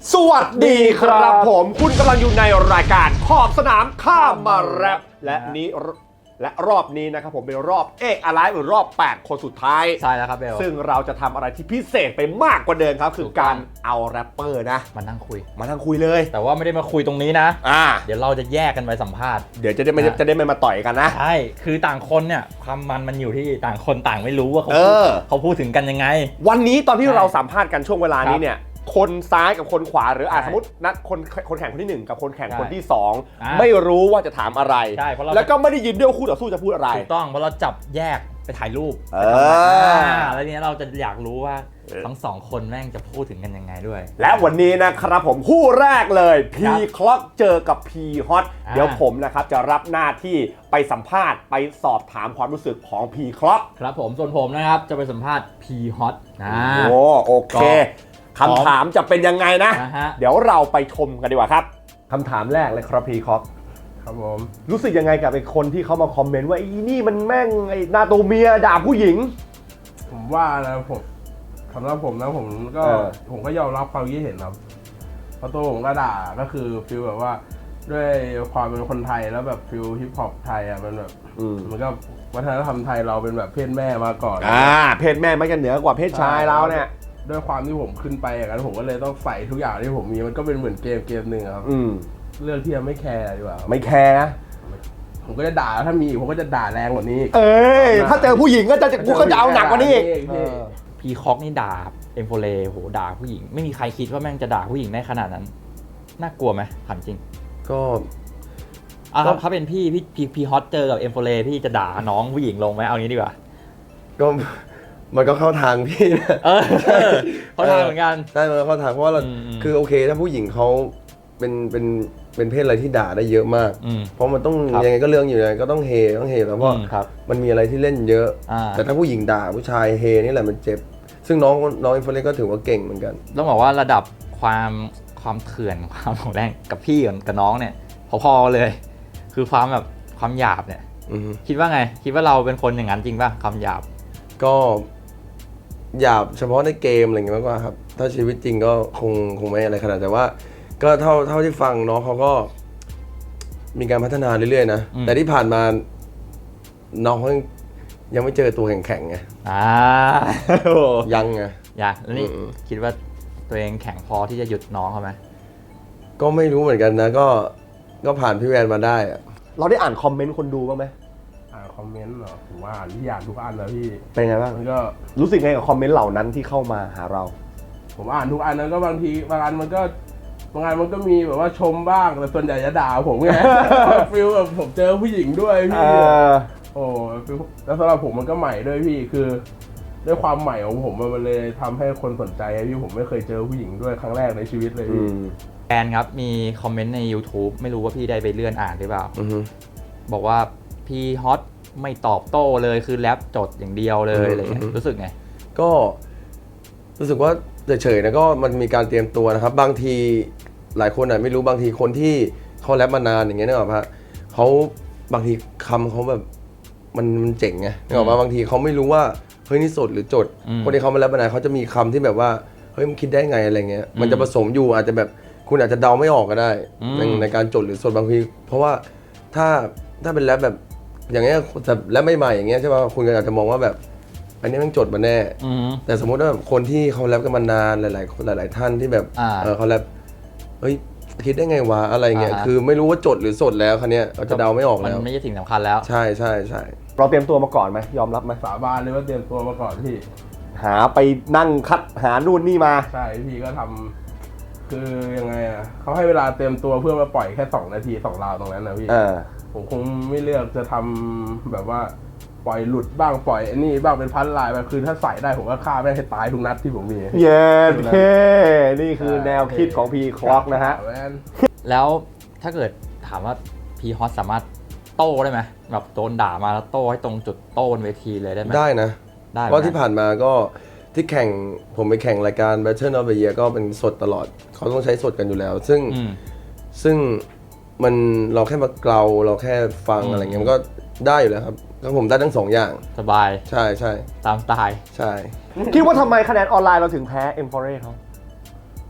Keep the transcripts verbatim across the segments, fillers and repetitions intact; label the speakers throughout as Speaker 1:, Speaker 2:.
Speaker 1: สวัสดีครับผมคุณกำลังอยู่ในรายการขอบสนามข้ามมาแรปและนี้และรอบนี้นะครับผมเป็นรอบเอกอะไรหรือรอบแปดคนสุดท้าย
Speaker 2: ใช่แล้วครับเบล
Speaker 1: ซึ่งเราจะทำอะไรที่พิเศษไปมากกว่าเดิมครับคือการเอาแรปเปอร์นะ
Speaker 2: มานั่งคุย
Speaker 1: มานั่งคุยเลย
Speaker 2: แต่ว่าไม่ได้มาคุยตรงนี้นะ
Speaker 1: อ่า
Speaker 2: เดี๋ยวเราจะแยกกันไปสัมภาษณ์
Speaker 1: เดี๋ยวจะได้ไม่จะได้ไม่มาต่อยกันนะ
Speaker 2: ใช่คือต่างคนเนี่ยความมันมันอยู่ที่ต่างคนต่างไม่รู้ว่าเขาเขาพูดถึงกันยังไง
Speaker 1: วันนี้ตอนที่เราสัมภาษณ์กันช่วงเวลานี้เนี่ยคนซ้ายกับคนขวาหรืออาสมมตินัดคนคนแข่งคนที่หนึ่งกับคนแข่งคนที่สองไม่รู้ว่าจะถามอะไรแล้วก็ไม่ได้ยินด้วยคู่ต่อสู้จะพูดอะไร
Speaker 2: ถูกต้องเพราะเราจับแยกไปถ่ายรูปแล้วเนี้ยเราจะอยากรู้ว่าทั้งสองคนแม่งจะพูดถึงกันยังไงด้วย
Speaker 1: และวันนี้นะครับผมคู่แรกเลย P Clock เจอกับ P Hot เดี๋ยวผมนะครับจะรับหน้าที่ไปสัมภาษณ์ไปสอบถามความรู้สึกของ P Clock
Speaker 2: ครับผมส่วนผมนะครับจะไปสัมภาษณ์ P Hot นะ
Speaker 1: โอ้โอเคคำถามจะเป็นยังไงนะเดี๋ยวเราไปชมกันดีกว่าครับคำถามแรกเลยครับ P Clock
Speaker 3: ครับผม
Speaker 1: รู้สึกยังไงกับไอ้คนที่เขามาคอมเมนต์ว่าไอ้นี่มันแม่งไอ้หน้าตัวเมียด่าผู้หญิง
Speaker 3: ผมว่านะผมสำหรับผมนะผมก็ผมก็ยอมรับความคิดเห็นครับเพราะตัวผมก็ด่าก็คือฟีลแบบว่าด้วยความเป็นคนไทยแล้วแบบฟีลฮิปฮอปไทยอ่ะมันแบบมันก็วัฒนธรรมไทยเราเป็นแบบเพศแม่มาก่อน
Speaker 1: อ่าเพศแม่ไม่กันเหนือกว่าเพศชายเราเนี่ย
Speaker 3: ด้วยความที่ผมขึ้นไปอย่างนั้นผมก็เลยต้องใส่ทุกอย่างที่ผมมีมันก็เป็นเหมือนเกมเกมหนึ่งครับเรื่องที่จะไม่แคร์ดีกว่า
Speaker 1: ไม่แคร์
Speaker 3: ผมก็จะด่าถ้ามีผมก็จะด่าแรงกว่านี้
Speaker 1: เอ้ยถ้าเจอผู้หญิงก็จะกูก็จะเอาหนักกว่านี้อีก
Speaker 2: พีคอกนี่ด่าเอ็มโฟเลโหด่าผู้หญิงไม่มีใครคิดว่าแม่งจะด่าผู้หญิงได้ขนาดนั้นน่ากลัวไหมถามจริง
Speaker 4: ก็
Speaker 2: อ่ะครับถ้าเป็นพี่พี่พีพีฮอตเจอกับเอ็มโฟเลพี่จะด่าน้องผู้หญิงลงไหมเอางี้ดีกว่า
Speaker 4: ก็มันก็เข้าทางพี่นะ
Speaker 2: เออเข้าทางเหมือนกัน
Speaker 4: ใช่มันเข้าทางเพราะว่าเราคือโอเคถ้าผู้หญิงเขาเป็นเป็นเป็นเพศอะไรที่ด่าได้เยอะมากเพราะมันต้องยังไงก็เรื่องอยู่ยังไงก็ต้องเฮต้องเฮแล้วเพราะมันมีอะไรที่เล่นเยอะแต่ถ้าผู้หญิงด่าผู้ชายเฮนี่แหละมันเจ็บซึ่งน้องน้องอินฟลูเอนซ์ก็ถือว่าเก่งเหมือนกัน
Speaker 2: ต้องบอกว่าระดับความความเถื่อนความของแรงกับพี่กับน้องเนี่ยพอๆเลยคือความแบบความหยาบเนี่ยคิดว่าไงคิดว่าเราเป็นคนอย่างนั้นจริงป่ะความหยาบ
Speaker 4: ก็หยาบเฉพาะในเกมอะไรอย่างเงี้ยมากกว่าครับถ้าชีวิตจริงก็คงคงไม่อะไรขนาดแต่ว่าก็เท่าเท่าที่ฟังน้องเขาก็มีการพัฒนาเรื่อยๆนะแต่ที่ผ่านมาน้องเขายังไม่เจอตัวแข็งๆไง
Speaker 2: อ่า
Speaker 4: ยังไง
Speaker 2: ยังแล้วนี่คิดว่าตัวเองแข็งพอที่จะหยุดน้องเขาไหม
Speaker 4: ก็ไม่รู้เหมือนกันนะก็ก็ผ่านพี่แวนมาได้อะ
Speaker 1: เราได้อ่านคอมเมนต์คนดูบ้างไหม
Speaker 3: อ่านคอมเมนต์เหรอผมว่าอ่านที่อ่านทุกอันนะพี่
Speaker 1: เป็นไงบ้าง
Speaker 3: มันก็
Speaker 1: รู้สึกไงกับคอมเมนต์เหล่านั้นที่เข้ามาหาเรา
Speaker 3: ผมอ่านทุกอันนั้นก็บางทีบางอันมันก็บางอันมันก็มีแบบว่าชมบ้างแต่ส่วนใหญ่จะด่าผมไงฟิลแบบผมเจอผู้หญิงด้วยพี่โอ้ฟิลแล้วสำหรับผมมันก็ใหม่ด้วยพี่คือด้วยความใหม่ของผมมันเลยทำให้คนสนใจพี่ผมไม่เคยเจอผู้หญิงด้วยครั้งแรกในชีวิตเลยพี่
Speaker 2: แอนครับมีคอมเมนต์ใน YouTube ไม่รู้ว่าพี่ได้ไปเลื่อนอ่านหรือเปล่าบอกว่าพี่ฮอตไม่ตอบโต้เลยคือแรปจดอย่างเดียวเลยอะไรรู้สึกไง
Speaker 4: ก็รู้สึกว่าเฉยๆนะก็มันมีการเตรียมตัวนะครับบางทีหลายคนอ่ะไม่รู้บางทีคนที่เขาแรปมานานอย่างเงี้ยนึกออกปะเขาบางทีคำเขาแบบมันมันเจ๋งไงนึกออกปะบางทีเขาไม่รู้ว่าเฮ้ยนี่สดหรือจดคนที่เขามาแรปมานานเขาจะมีคำที่แบบว่าเฮ้ยมันคิดได้ไงอะไรเงี้ยมันจะผสมอยู่อาจจะแบบคุณอาจจะเดาไม่ออกก็ได้ในในการจดหรือสดบางทีเพราะว่าถ้าถ้าเป็นแรปแบบอย่างเงี้ยแต่แรปใหม่ๆอย่างเงี้ยใช่ป่ะคุณก็อาจจะมองว่าแบบอันนี้มันจดมาแน่แต่สมมติว่าคนที่เขาแรปกันมานานหลายๆหลายๆท่านที่แบบเขาแรปเฮ้ยคิดได้ไงวะอะไรเงี้ยคือไม่รู้ว่าจดหรือสดแล้วคันนี้เราจะเดาไม่ออกแล้ว
Speaker 2: มันไม่ใช่สิ่งสำคัญแล้ว
Speaker 4: ใช่ใช่ใช่
Speaker 1: เราเตรียมตัวมาก่อนไหมยอมรับไหม
Speaker 3: สาบานเลยว่าเตรียมตัวมาก่อนพี่
Speaker 1: หาไปนั่งคัดหานู่นนี่มา
Speaker 3: ใช่พี่ก็ทำคือยังไงอ่ะเขาให้เวลาเตรียมตัวเพื่อมาปล่อยแค่สองนาทีสองราวตรงนั้นนะพี่ผมคงไม่เลือกจะทำแบบว่าปล่อยหลุดบ้างปล่อยไอ้นี่บ้างเป็นพันลายแบบคือถ้าใส่ได้ผมก็ฆ่าแม่งให้ตายทุกนัดที่ผมมี
Speaker 1: เย้เท่นี่คือแนวคิดของพีคล็อกนะฮะ
Speaker 2: แล้วถ้าเกิดถามว่าพีฮอตสามารถโต้ได้ไหมแบบโดนด่ามาแล้วโต้ให้ตรงจุดโต้บนเวทีเลยได้ไหม
Speaker 4: ได้นะได้เพราะที่ผ่านมาก็ที่แข่งผมไปแข่งรายการ Battle of the Year ก็เป็นสดตลอดเขาต้องใช้สดกันอยู่แล้วซึ่งซึ่งมันเราแค่มาเกลาเราแค่ฟังอะไรเงี้ยมันก็ได้อยู่แล้วครับก็ผมได้ทั้งสองอย่าง
Speaker 2: สบาย
Speaker 4: ใช่ใช่
Speaker 2: ตามสไตล์
Speaker 4: ใช่
Speaker 1: คิดว่าทำไมคะแนนออนไลน์เราถึงแพ้ เอ็ม โฟร์ เอ เขา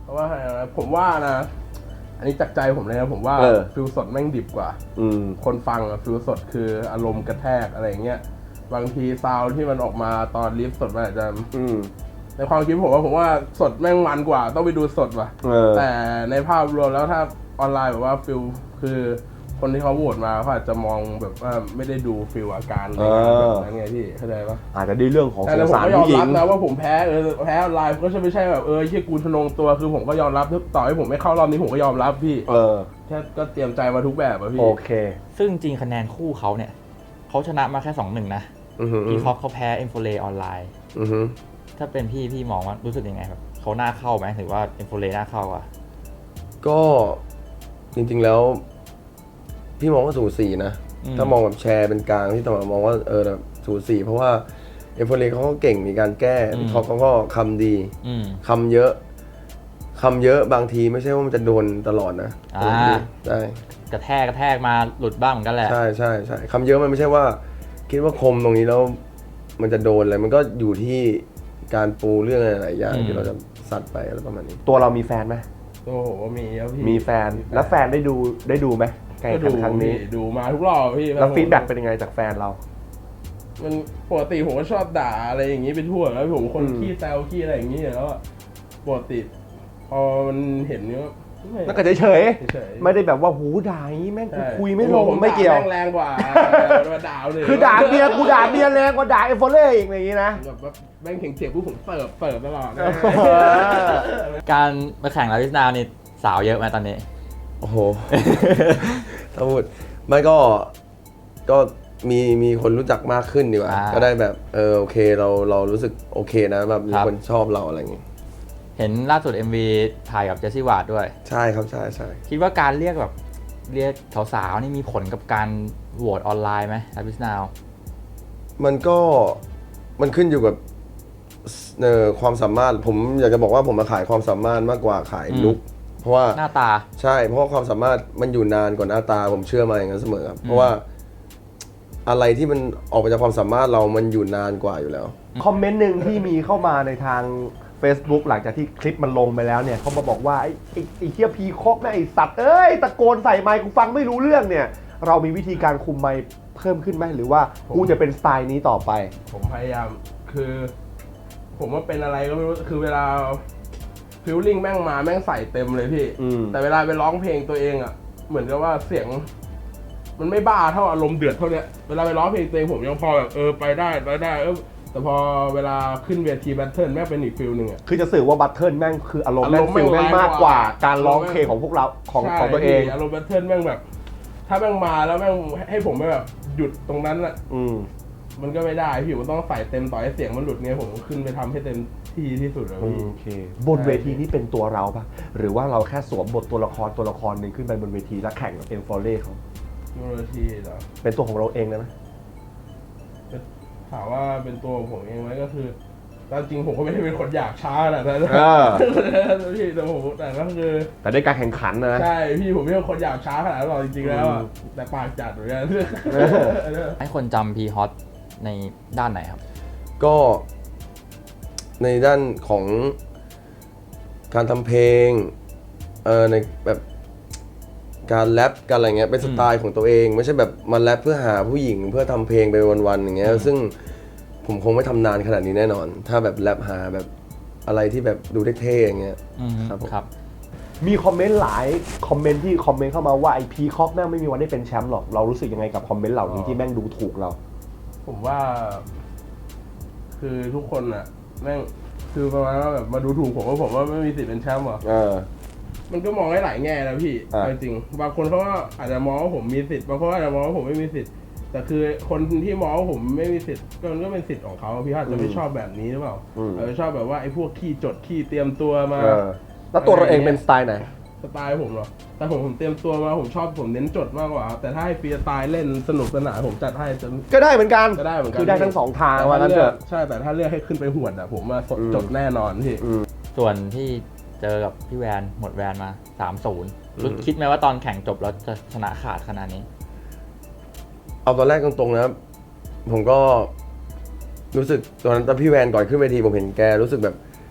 Speaker 3: เพราะว่าผมว่านะ อันนี้จากใจผมเลยนะผมว่า
Speaker 1: เออ
Speaker 3: ฟิลสดแม่งดิบกว่า
Speaker 1: อืม
Speaker 3: คนฟังอะฟิลสดคืออารมณ์กระแทกอะไรเงี้ยบางทีซาวด์ที่มันออกมาตอนลิฟสดมันอาจจะ
Speaker 1: อืม
Speaker 3: ในความคิดผมว่าผมว่าสดแม่งมันกว่าต้องไปดูสดว่ะ
Speaker 1: เออ
Speaker 3: แต่ในภาพรวมแล้วถ้าออนไลน์แบบว่าฟิลคือคนที่เขาโหวตมาเขาอาจจะมองแบบว่าไม่ได้ดูฟิลอาการอะไรแบบนั้นไงพี่เข้าใจปะ
Speaker 1: อาจจะได้เรื่องของ
Speaker 3: แต่
Speaker 1: สง
Speaker 3: ผม
Speaker 1: สาร
Speaker 3: ก็ยอม
Speaker 1: ผู้หญิ
Speaker 3: รั
Speaker 1: ง
Speaker 3: บนะว่าผมแพ้เออแพ้ออนไลน์ก็ไม่ใช่แบบเออที่กูทะนงตัวคือผมก็ยอมรับต่อให้ผมไม่เข้ารอบนี้ผมก็ยอมรับพี่
Speaker 1: เออ
Speaker 3: แค่ก็เตรียมใจมาทุกแบบอะพี่
Speaker 1: โอเค
Speaker 2: ซึ่งจริงคะแนนคู่เขาเนี่ยเขาชนะมาแค่ สองหนึ่ง นะ
Speaker 4: อือหือ
Speaker 2: พีคอกเขาแพ้เอ็มโฟเลออนไลน์
Speaker 4: อือหือ
Speaker 2: ถ้าเป็นพี่พี่มองว่ารู้สึกยังไงแบบเขาหน้าเข้าไหมหรือว่าเอ็มโฟเลหน้าเข้าอ่ะ
Speaker 4: ก็จริงๆแล้ว พี่มองว่าสูสีนะ
Speaker 2: อืม
Speaker 4: ถ้ามองแบบแชร์เป็นกลางที่ตมองว่าเออแบบสูสีเพราะว่าเอฟเฟอร์เรเขาก็เก่งมีการแก้เขาเขาก็คำดี
Speaker 2: อืม
Speaker 4: คำเยอะคำเยอะบางทีไม่ใช่ว่ามันจะโดนตลอดนะ
Speaker 2: อ่า
Speaker 4: ใช่
Speaker 2: กระแทกกระแทกมาหลุดบ้างเหมือนกันแหละ
Speaker 4: ใช่ใช่ใช่คำเยอะมันไม่ใช่ว่า คิดว่าคมตรงนี้แล้วมันจะโดนอะไรมันก็อยู่ที่การปูเรื่องอะไรหลายอย่าง
Speaker 2: อืม
Speaker 4: ที่เราจะสัตว์ไปอะไรประมาณนี้
Speaker 1: ตัวเรามีแฟนไหม
Speaker 3: โอ้โหมีครับพี่
Speaker 1: มีแฟน แล้วแฟนได้ดูได้ดูไหมการ
Speaker 3: ก็
Speaker 1: แข่
Speaker 3: ดู
Speaker 1: งขันครั้งนี้
Speaker 3: พี่ดูมาทุกรอบพี่
Speaker 1: แล้วฟีดแบ็กเป็นยังไงจากแฟนเรา
Speaker 3: มันปกติผมก็ชอบด่าอะไรอย่างนี้ไปทั่วแล้วผมคน
Speaker 1: อืม
Speaker 3: ขี้แซวขี้อะไรอย่างนี้อยู่แล้วอะปกติพอมันเห็นเนี้ย
Speaker 1: แล้วก็เฉย
Speaker 3: เฉย
Speaker 1: ๆไม่ได้แบบว่าหูด่าอย่างนี้แม่งกู
Speaker 3: ใช่
Speaker 1: คุยไม่ลง
Speaker 3: ผ
Speaker 1: ไม่เกี่ยว
Speaker 3: ด่าแม่งแรงกว่ามาด่าเลย
Speaker 1: คือด่าเมียกูด่าเมียแรงกว่าด่าเอฟโฟเล่อีกอย่างนี้นะ
Speaker 3: แบบว่าแม่งเถียงเถียงผู้ผมเสิร์ฟเสิร์ฟตลอดนะ
Speaker 2: การมาแข่งลาวิสนาวนี่สาวเยอะไหมตอนนี้
Speaker 4: โอ้โห ถ้าพูดไม่ก็ก็มีมีคนรู้จักมากขึ้นดีกว่า
Speaker 2: อ่า
Speaker 4: ก็ได้แบบเออโอเคเราเรารู้สึกโอเคนะแบบมี
Speaker 2: ครับ
Speaker 4: คนชอบเราอะไรอย่างงี้
Speaker 2: เห็นล่าสุด เอ็ม วี ถ่ายกับเจสซี่วาร์ดด้วย
Speaker 4: ใช่ครับใช่ใช่
Speaker 2: คิดว่าการเรียกแบบเรียกสาวๆนี่มีผลกับการโหวตออนไลน์ไหมลาวิสนาว
Speaker 4: มันก็มันขึ้นอยู่กับเอ่อความสามารถผมอยากจะบอกว่าผมมาขายความสามารถมากกว่าขาย
Speaker 2: อืม
Speaker 4: ลุคเพราะว่า
Speaker 2: หน้าตา
Speaker 4: ใช่เพราะว่าความสามารถมันอยู่นานกว่าหน้าตาผมเชื่อมาอย่างนั้นเสมอครับเพราะว่าอะไรที่มันออกมาจากความสามารถเรามันอยู่นานกว่าอยู่แล้ว
Speaker 1: คอมเมนต์หนึ่งที่มีเข้ามาในทาง Facebook หลังจากที่คลิปมันลงไปแล้วเนี่ยเขามาบอกว่า ไอ้ไอ้ไอ้เฮียพีคอกนะไอ้สัตว์เอ้ยตะโกนใส่ไมค์กูฟังไม่รู้เรื่องเนี่ย เรามีวิธีการคุมไมค์เพิ่มขึ้นไหมหรือว่ากูจะเป็นสไตล์นี้ต่อไป
Speaker 3: ผมพยายามคือ ผมว่าเป็นอะไรก็ไม่รู้คือเวลาฟิลลิ่งแม่งมาแม่งใส่เต็มเลยพี่
Speaker 1: อืม
Speaker 3: แต่เวลาไปร้องเพลงตัวเองอ่ะเหมือนกับว่าเสียง มันไม่บ้าเท่าอารมณ์เดือดเท่าเนี้ยเวลาไปร้องเพลงตัวเองผมยังพอแบบเออไปได้ไปได้เออแต่พอเวลาขึ้นเวทีแบทเทิลแม่งเป็นอีกฟิลหนึ่งอ่ะ
Speaker 1: คือจะสื่อว่าบัตเทิลแม่งคืออารมณ์แม่ง
Speaker 3: อารมณ์
Speaker 1: ฟิลแม่ง
Speaker 3: แม่ง
Speaker 1: มากกว่า
Speaker 3: แรงกว่า
Speaker 1: การร้องเพลงของพวกเราของ
Speaker 3: ใช่
Speaker 1: ของตัวเอง
Speaker 3: พี่อารมณ์แบทเทิลแม่งแบบ ถ้าแม่งมาแล้วแม่งให้ผมไปแบบหยุดตรงนั้นอ่ะ
Speaker 1: อืม
Speaker 3: มันก็ไม่ได้พี่มันต้องใส่เต็มต่อให้เสียงมันหลุดไงผมก็ขึ้นไปทำให้เต็มที่ที่สุดเลยพี่
Speaker 1: โอเค บนเวทีนี้เป็นตัวเราปะหรือว่าเราแค่สวมบทตัวละครตัวละครหนึ่งขึ้นไปบนเวทีแล้วแข่งกับเอ็มฟอร์เล่เขา
Speaker 3: โนโลทีเหรอ
Speaker 1: เป็นตัวของเราเองเลยไหม
Speaker 3: ถามว่าเป็นตัวของผมเองไหมก็คือตามจริงผมก็ไม่ได้เป็นคนอยากช้าขนาดนั้น
Speaker 1: เออ
Speaker 3: พี่แต่ผมแต่ก็คือ
Speaker 1: แต่ในการแข่งขันนะ
Speaker 3: ใช่พี่ผมไม่ใช่คนอยากช้าขนาดนั้นหรอกจริงๆแล้วอะ
Speaker 1: อืม
Speaker 3: แต่ปากจัดเหมือนกัน
Speaker 2: ให้คนจำพีฮอตในด้านไหนครับ
Speaker 4: ก็ในด้านของการทำเพลงเออในแบบการแรปการอะไรเงี้ยเป็นสไตล์ของตัวเอง ไม่ใช่แบบมาแรปเพื่อหาผู้หญิงเพื่อทำเพลงไปวันๆอย่างเงี้ยซึ่งผมคงไม่ทำนานขนาดนี้แน่นอน ถ้าแบบแรปหาแบบอะไรที่แบบดูเท่ๆอย่างเงี้ย
Speaker 2: อืม
Speaker 4: ครับผม
Speaker 2: ครับ
Speaker 1: มีคอมเมนต์หลายคอมเมนต์ที่คอมเมนต์เข้ามาว่าไอพีคอกแม่งไม่มีวันได้เป็นแชมป์หรอกเรารู้สึกยังไงกับคอมเมนต์เหล่านี้ที่แม่งดูถูกเรา
Speaker 3: ผมว่า คือทุกคนอะแม่งคือประมาณว่าแบบมาดูถูกผมว่าผมว่าไม่มีสิทธิ์เป็นแชมป์หรอ
Speaker 1: เออ
Speaker 3: มันก็มองได้หลายแง่นะพี่
Speaker 1: อ่า
Speaker 3: จริงๆบางคนเขาก็อาจจะมองว่าผมมีสิทธิ์บางคนอาจจะมองว่าผมไม่มีสิทธิ์แต่คือคนที่มองว่าผมไม่มีสิทธิ์ก็มันก็เป็นสิทธิ์ของเขาพี่อาจจะไม่ชอบแบบนี้หรือเปล่าอาจจะชอบแบบว่าไอ้พวกขี้จดขี้เตรียมตัวมา
Speaker 1: เออแล้วตัวเราเองเป็นสไตล์ไหน
Speaker 3: สไตล์ผมเหรอแต่ผมผมเตรียมตัวมาผมชอบผมเน้นจดมากกว่า แต่ถ้าให้ฟรีสไตล์เล่นสนุกสนานผมจัดให้จน
Speaker 1: ก็ได้เหมือนกัน
Speaker 3: ก็ได้เหมือนกัน
Speaker 1: คือได้ทั้งสองทางว่า
Speaker 3: แต่
Speaker 1: งั้น
Speaker 3: ถ้า
Speaker 1: เถ
Speaker 3: เลือก
Speaker 1: อะ
Speaker 3: ใช่แต่ถ้าเลือกให้ขึ้นไปหวดอะผมมาสด
Speaker 1: อืม
Speaker 3: จดแน่นอนพี่
Speaker 2: ส่วนที่เจอกับพี่แวนหมดแวนมา สามศูนย์ รู้คิดไหมว่าตอนแข่งจบแล้วจะชนะขาดขนาดนี้
Speaker 4: เอาตอนแรกตรงๆนะผมก็รู้สึกตอนนั้นตอนพี่แวนก่อนขึ้นเวทีผมเห็นแกรู้สึกแบบ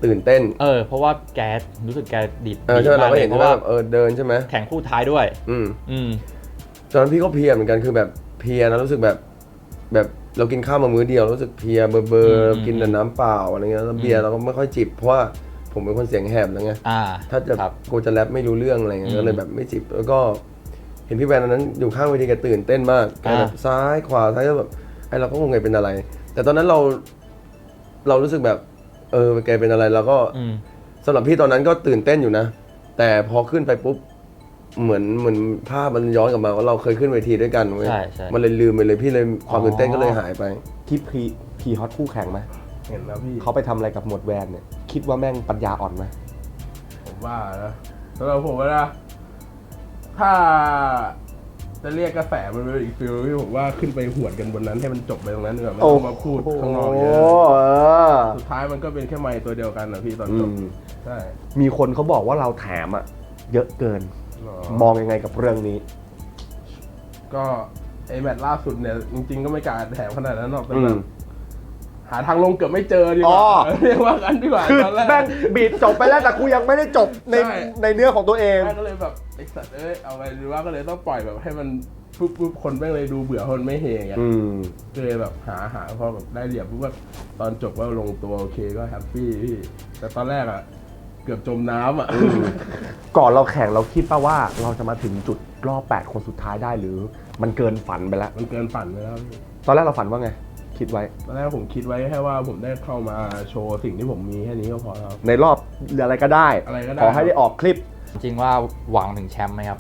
Speaker 4: ตื่นเต้น
Speaker 2: เออเพราะว่าแกรู้สึกแกดีด
Speaker 4: เออใช่ไหมเราก็เห็น
Speaker 2: เพราะ
Speaker 4: ว่า
Speaker 2: ว่า
Speaker 4: เออเดินใช่ไหม
Speaker 2: แข่งคู่ท้ายด้วย
Speaker 4: อืม
Speaker 2: อืม
Speaker 4: ตอนนั้นพี่ก็เพลียเหมือนกันคือแบบเพลียนะรู้สึกแบบแบบเรากินข้าวมามื้อเดียวรู้สึกเพลียเบอร์เบอ
Speaker 2: อื
Speaker 4: ร์
Speaker 2: ม
Speaker 4: กินแต่น้ำเปล่าอะไรเงี้ยแล้วเบียร์เราก็ไม่ค่อยจิบเพราะว่าผมเป็นคนเสียงแหบแล้วไง
Speaker 2: อ่า
Speaker 4: ถ้าจะ
Speaker 2: ครับ
Speaker 4: กูจะแรปไม่รู้เรื่องอะไรเงี้
Speaker 2: อื
Speaker 4: ย
Speaker 2: ม
Speaker 4: ก็เลยแบบไม่จิบแล้วก็เห็นพี่แวนตอนนั้นอยู่ข้างเวทีแกตื่นเต้นมากแกแบบ
Speaker 2: อ่า
Speaker 4: ซ้ายขวาซ้ายแล้วแบบไอเราก็งงไงเป็นอะไร แต่ตอนนั้นเราเรารู้สึกแบบเออแกเป็นอะไรเราก็
Speaker 2: อืม
Speaker 4: สำหรับพี่ตอนนั้นก็ตื่นเต้นอยู่นะ แต่พอขึ้นไปปุ๊บเหมือนเหมือนภาพมันย้อนกลับมาว่าเราเคยขึ้นเวทีด้วยกันเว้ย
Speaker 2: ใช่ใช่
Speaker 4: มันเลยลืมไปเลยพี่เลยความ
Speaker 2: อ๋อ
Speaker 4: ตื่นเต้นก็เลยหายไป
Speaker 1: ที่พีพีฮอตคู่แข่งไหม
Speaker 3: เห็นแล้วพี่
Speaker 1: เขาไปทำอะไรกับหมวดแวนเนี่ยคิดว่าแม่งปัญญาอ่อนไหม
Speaker 3: ผมว่านะสำหรับผมนะ ถ้าจะเรียกกระแสมันเป็นอีกฟิลที่ผมว่าขึ้นไปหวดกันบนนั้นให้มันจบไปตรงนั้นดีกว่าไม่ต้องมาพูดข้างนอกเยอะ
Speaker 1: โอ้เออ
Speaker 3: สุดท้ายมันก็เป็นแค่ไมค์ตัวเดียวกันนะพี่ตอน
Speaker 1: อื
Speaker 3: จบ
Speaker 1: ม
Speaker 3: ใช่
Speaker 1: มีคนเขาบอกว่าเราแถมอะเยอะเกิน
Speaker 3: หรอ
Speaker 1: มองยังไงกับเรื่องนี้
Speaker 3: ก็ไอแมตช์ล่าสุดเนี่ยจริงๆก็ไม่กล้าแถมขนาดนั้นหรอกแต่
Speaker 1: อื
Speaker 3: แบ
Speaker 1: ม
Speaker 3: บหาทางลงเกือบไม่เจอดีก
Speaker 1: อ๋
Speaker 3: ว่า
Speaker 1: อ
Speaker 3: เรียกว่ากันดีกว่า
Speaker 1: คือ
Speaker 3: ตอนแรก
Speaker 1: แม่งบีดจบไปแล้วแต่กูยังไม่ได้จบใน
Speaker 3: ใช่
Speaker 1: ในเนื้อของตัวเอง
Speaker 3: แม่ก็เลยแบบไอสัตว์เอ้ยเอาไปหรือว่าก็เลยต้องปล่อยแบบให้มันปุ๊บปุ๊บคนแม่งเลยดูเบื่อคนไม่เฮอย่างเงี้ย
Speaker 1: อืม
Speaker 3: ก็เลยแบบหาหาพอแบบได้เหลี่ยมปุ๊บว่าตอนจบก็ลงตัวโอเคก็แฮปปี้พี่แต่ตอนแรกอ่ะเกือบจมน้ำอ่ะ
Speaker 1: ก่อนเราแข่งเราคิดป่ะว่าเราจะมาถึงจุดรอบแปดคนสุดท้ายได้หรือมันเกินฝันไปแล้ว
Speaker 3: มันเกินฝันไปแล้วพี่
Speaker 1: ตอนแรกเราฝันว่าไง คิดไว้
Speaker 3: ตอนแรกผมคิดไว้แค่ว่าผมได้เข้ามาโชว์สิ่งที่ผมมีแค่นี้ก็พอแล้ว
Speaker 1: ในรอบอะไรก็ได้
Speaker 3: อะไรก็ได้
Speaker 1: ขอให้ได้ออกคลิป
Speaker 2: จริงว่าหวังถึงแชมป์ไหมครับ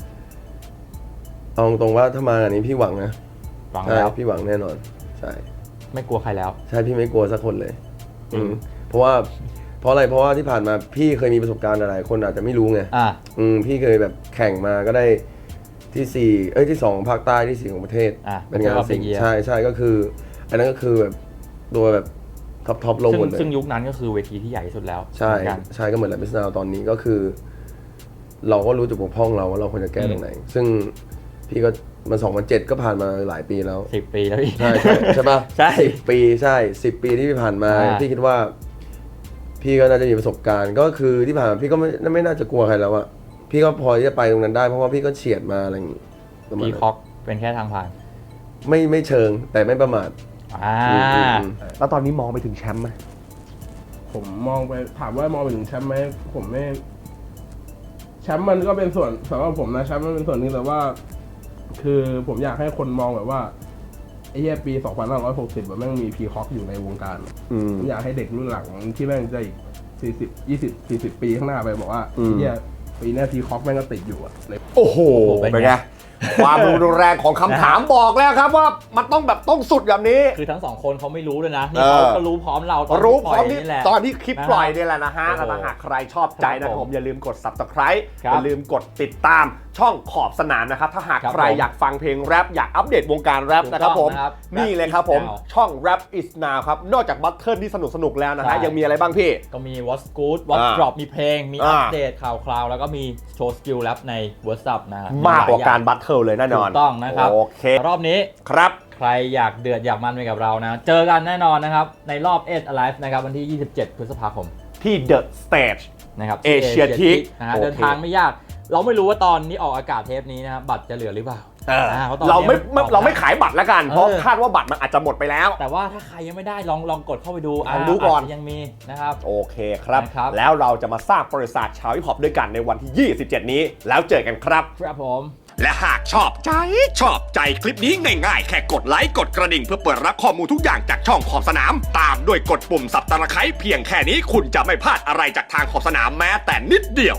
Speaker 4: เอาตรงๆว่าถ้ามางานนี้พี่หวังนะ
Speaker 2: หวัง
Speaker 4: ใช่
Speaker 2: แล้ว
Speaker 4: พี่หวังแน่นอนใช่
Speaker 2: ไม่กลัวใครแล้ว
Speaker 4: ใช่พี่ไม่กลัวสักคนเลยอืมเพราะว่าเพราะอะไรเพราะว่าที่ผ่านมาพี่เคยมีประสบการณ์หลายๆคนอาจจะไม่รู้ไง
Speaker 2: อ่า
Speaker 4: อืมพี่เคยแบบแข่งมาก็ได้ที่สี่เอ้ยที่สองของภาคใต้ที่สี่ของประเทศ
Speaker 2: อ่ะ
Speaker 4: เป็นงาน
Speaker 2: Battle of the
Speaker 4: สิ่ง
Speaker 2: Year
Speaker 4: ใช่ใช่ก็คือ อันนั้นก็คือแบบตัวแบบท็อปท็อปลง
Speaker 2: ซึ่ง
Speaker 4: หมดเลย
Speaker 2: ซึ่งยุคนั้นก็คือเวทีที่ใหญ่ที่สุดแล้ว
Speaker 4: ใช่
Speaker 2: เหมือนกัน
Speaker 4: ใช่ก็เหมือนแหละมิสนาตอนนี้ก็คือ เราก็รู้จุดบกพร่องเราว่าเราควรจะแก้ตรงไหน ซึ่งพี่ก็มันสองพันเจ็ดก็ผ่านมาหลายปีแล้ว
Speaker 2: สิบปีแล้วพี่
Speaker 4: ใช่ใช่ใช่ปะ
Speaker 2: ใช่
Speaker 4: สิบปีใช่สิบปีที่ผ่านมา
Speaker 2: อ่า
Speaker 4: พี่คิดว่า พี่ก็น่าจะมีประสบการณ์ ก็คือที่ผ่านมาพี่ก็ไม่ไม่น่าจะกลัวใครแล้วอะพี่ก็พอที่จะไปตรงนั้นได้เพราะว่าพี่ก็เฉียดมาอะไรอย่างงี้ประมาณ
Speaker 2: พี
Speaker 4: นั้น
Speaker 2: คอกเป็นแค่ทางผ่าน
Speaker 4: ไม่ไม่เชิงแต่ไม่ประมาท
Speaker 2: อ่า
Speaker 4: อืมอืมอืม
Speaker 1: แล้วตอนนี้มองไปถึงแชมป์ไหม
Speaker 3: ผมมองไปถามว่ามองไปถึงแชมป์ไหมผมไม่แชมป์มันก็เป็นส่วนสำหรับผมนะแชมป์มันเป็นส่วนหนึงแต่ว่า คือผมอยากให้คนมองแบบว่าไอ้เหี้ยปีสองพันห้าร้อยหกสิบแบบแม่งมีพีคอกอยู่ในวงการ
Speaker 1: อืม
Speaker 3: ผมอยากให้เด็กรุ่นหลังที่แม่งจะอีกสี่สิบยี่สิบสี่สิบปีข้างหน้าไปบอกว่า
Speaker 1: อืม
Speaker 3: ไอ้เหี้ยปีหน้าพีคอกแม่งก็ติดอยู่อะใน
Speaker 1: โอ้โห
Speaker 2: เป็นไง
Speaker 1: เป็นไง ความรุนแรงของคำถามบอกแล้วครับว่ามันต้องแบบต้องสุดแบบนี้
Speaker 2: คือทั้งสองคนเขาไม่รู้ด้วยนะ นี่
Speaker 1: เออ
Speaker 2: เขาก็รู้พร้อมเราตอน
Speaker 1: รู้
Speaker 2: ที่
Speaker 1: พ
Speaker 2: ป
Speaker 1: ร้
Speaker 2: ล่
Speaker 1: อ
Speaker 2: อย
Speaker 1: มที่
Speaker 2: นี่แหละ
Speaker 1: ตอนที่คลิป
Speaker 2: นะฮะ
Speaker 1: ปล่อยเนี่ยแหละนะฮะ
Speaker 2: โอ้โห
Speaker 1: แล้วถ้าหากใครชอบใจนะ
Speaker 2: ค
Speaker 1: ค
Speaker 2: รั
Speaker 1: รั
Speaker 2: บบ ผ
Speaker 1: ผม มอย่าลืมกด Subscribe
Speaker 2: ครับ
Speaker 1: อย่าลืมกดติดตามช่องขอบสนามนะครับ ถ้าหาก
Speaker 2: ครับ
Speaker 1: ใคร
Speaker 2: ผม
Speaker 1: อยากฟังเพลงแรปอยากอัปเดตวงการแรป
Speaker 2: ถูก
Speaker 1: นะครับผม
Speaker 2: ต้องนะครับ
Speaker 1: นี่เลยครับ
Speaker 2: Rap
Speaker 1: ผม
Speaker 2: is now
Speaker 1: ช่อง Rap is now ครับ นอกจากบัตเทิลที่สนุกสนุกๆแล้วนะ
Speaker 2: ใช่
Speaker 1: ฮะยังมีอะไรบ้างพี่
Speaker 2: ก็มี What's Good What's
Speaker 1: อ่า
Speaker 2: Drop มีเพลง มี
Speaker 1: อ่า
Speaker 2: อัปเดตข่าวคราว แล้วก็มีโชว์สกิลแรปใน WhatsApp นะฮะ
Speaker 1: มากกว่า
Speaker 2: หลยอย่
Speaker 1: การบัตเทิลเลยแน่น
Speaker 2: ถู
Speaker 1: อน
Speaker 2: กต้องนะครับ
Speaker 1: โอเค
Speaker 2: รอบนี้
Speaker 1: ครับ
Speaker 2: ใครอยากเดือดอยากมันไปกับเรานะ เจอกันแน่นอนนะครับ ในรอบ Eight Alive นะครับ วันที่ ยี่สิบเจ็ด พฤษภาคม
Speaker 1: ที่ The Stage
Speaker 2: นะครับ
Speaker 1: Asia Teak
Speaker 2: นะฮะ
Speaker 1: โอเค
Speaker 2: เดินทางไม่ยาก เราไม่รู้ว่าตอนนี้ออกอากาศเทปนี้นะครับบัตรจะเหลือหรือเปล่า
Speaker 1: เออ
Speaker 2: อ่าเพราะตอน
Speaker 1: เราไม่
Speaker 2: นี้
Speaker 1: ไม่
Speaker 2: ออก
Speaker 1: เราไม่ขายบัตรแล้วกัน เพราะ
Speaker 2: เออ
Speaker 1: คาดว่าบัตรมันอาจจะหมดไปแล้ว
Speaker 2: แต่ว่าถ้าใครยังไม่ได้ลองลองกดเข้าไปดู
Speaker 1: ลองดูก่อน
Speaker 2: าจจะยังมีนะครับ
Speaker 1: โอเคครับ
Speaker 2: นะครับ
Speaker 1: แล้วเราจะมาสร้างประวัติศาสตร์ชาวฮิปฮอปด้วยกันในวันที่ ยี่สิบเจ็ด นี้ แล้วเจอกันครับ
Speaker 2: ครับผม
Speaker 5: และหากชอบใจ ชอบใจคลิปนี้ง่ายๆ แค่กดไลค์กดกระดิ่งเพื่อเปิดรับข้อมูลทุกอย่างจากช่องขอบสนาม ตามด้วยกดปุ่มสับตะไคร้เพียงแค่นี้คุณจะไม่พลาดอะไรจากทางขอบสนามแม้แต่นิดเดียว